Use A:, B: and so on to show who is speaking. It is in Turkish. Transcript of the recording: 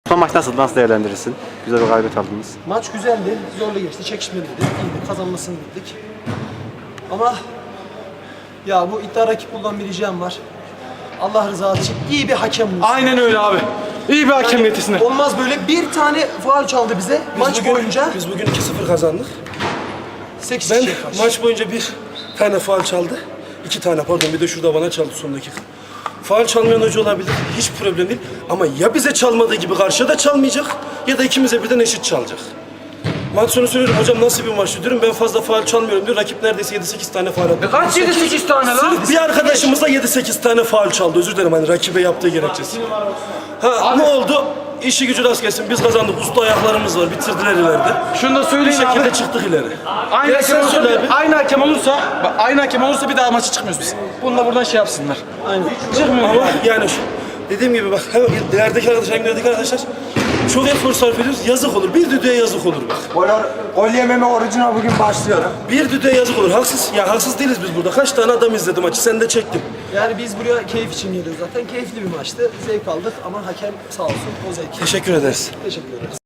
A: Son maç nasıldı? Nasıl değerlendirirsin? Güzel bir galibiyet aldınız.
B: Maç güzeldi, zorlu geçti, çekişmeliydi, iyiydi, kazanmasını bildik. Ama ya bu iddia rakiplerden bir ricam var. Allah rızası için iyi bir hakem bulsun.
C: Aynen öyle abi. İyi bir hakem getirsinler.
B: Olmaz böyle bir tane faul çaldı bize maç boyunca.
D: Biz bugün 2-0 kazandık.
B: 8
D: Ben
B: kişiye karşı.
D: maç boyunca bir tane faul çaldı. 2 tane pardon, bir de şurada bana çaldı son dakika. Faul çalmayan hoca olabilir, hiç problem değil. Ama ya bize çalmadığı gibi karşıya da çalmayacak ya da ikimize birden eşit çalacak. Maç sonu söylüyorum, hocam nasıl bir maç diyorum, ben fazla faul çalmıyorum diyor. Rakip neredeyse 7-8 tane faul attı.
C: Kaç 7-8 tane lan?
D: Sırf bir arkadaşımız da 7-8 tane faul çaldı. Özür dilerim, hani rakibe yaptığı gerekçesi. Ha ne oldu? İşi gücü rast gelsin. Biz kazandık. Usta ayaklarımız var. Bitirdiler ileride.
C: Şunu da
D: Bir
C: söyleyin
D: şekilde
C: abi.
D: çıktık ileri.
C: Aynı
D: Gel
C: hakem
D: sen
C: olursa,
D: söyle abi.
C: aynı hakem olursa bir daha maça çıkmıyoruz biz. Bunu da buradan şey yapsınlar.
B: Aynen.
C: Çıkmıyoruz.
D: Ama yani dediğim gibi bak, hem ilerideki arkadaşlar hem ilerideki arkadaşlar çok efor sarf ediyoruz. Yazık olur. Bir düdüğe yazık olur bak.
E: Gol yememe orucuna bugün başlıyorum.
D: Bir düdüğe yazık olur. Haksız. Ya haksız değiliz biz burada. Kaç tane adam izledi maçı. Sen de çektin.
B: Yani biz buraya keyif için geliyoruz zaten. Keyifli bir maçtı. Zevk aldık ama hakem sağ olsun o zevki.
D: Teşekkür ederiz.
B: Teşekkür ederiz.